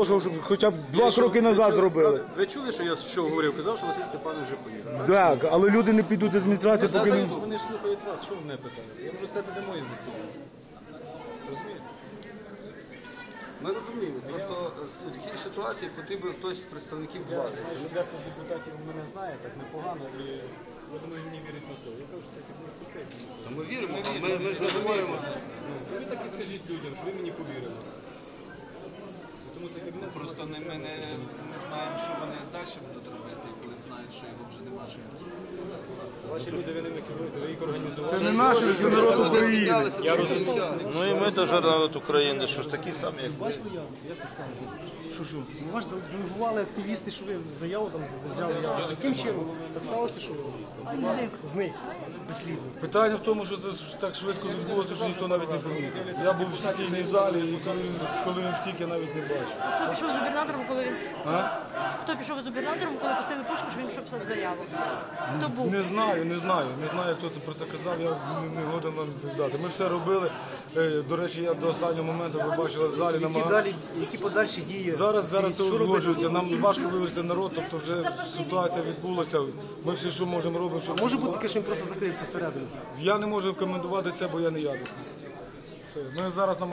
Щоб хоча б 2 кроки назад зробили. Ви чули, що я що говорив? Казав, що Василь Степанович вже поїхав. Так, але люди не підуть з адміністрації, поки не... Вони ж слухають вас, що ви мене питаєте? Я можу сказати, де мої заступники. Розумієте? Ми розуміємо, просто в цій ситуації потрібен хтось з представників влади. Я знаю, що дехто з депутатів мене знає так непогано, і я думаю, мені вірить на слово. Я кажу, що це кабінет пустий. Ми віримо, ми ж не говоримо. Ви так і скажіть людям, що ви мені повірили. Тому цей кабінет Просто ми не знаємо, що вони далі будуть робити, коли знають, що його вже нема. ваші люди, ви ними керуєте, ви їх організували. Це не наші, це народ України. Я розумію. Ну і ми теж народ України, що ж такі самі, як ви. Що? Ну, вас делегували активісти, що ви заяву там взяли. Яким чином? Так сталося, що зник безслідно. Питання в тому, що це так швидко відбулося, що ніхто навіть не помітив. Я був в сесійній залі, і коли він втік, я навіть не бачив. Хто пішов з губернатором, коли він... Хто пішов з губернатором, коли пустили пушку, що він пішов писати заяву? Хто був? Не знаю, хто це про це казав, я не годен вам відповідати. Ми все робили, до речі, я до останнього моменту, ви бачили, в залі намагався. Які подальші дії? Зараз це узгоджується, нам важко вивести народ, тобто вже ситуація відбулася, ми всі, що можемо, робимо. Щоб... Може бути таке, що він просто закрився всередину? Я не можу коментувати це, бо я не ядер. Ми зараз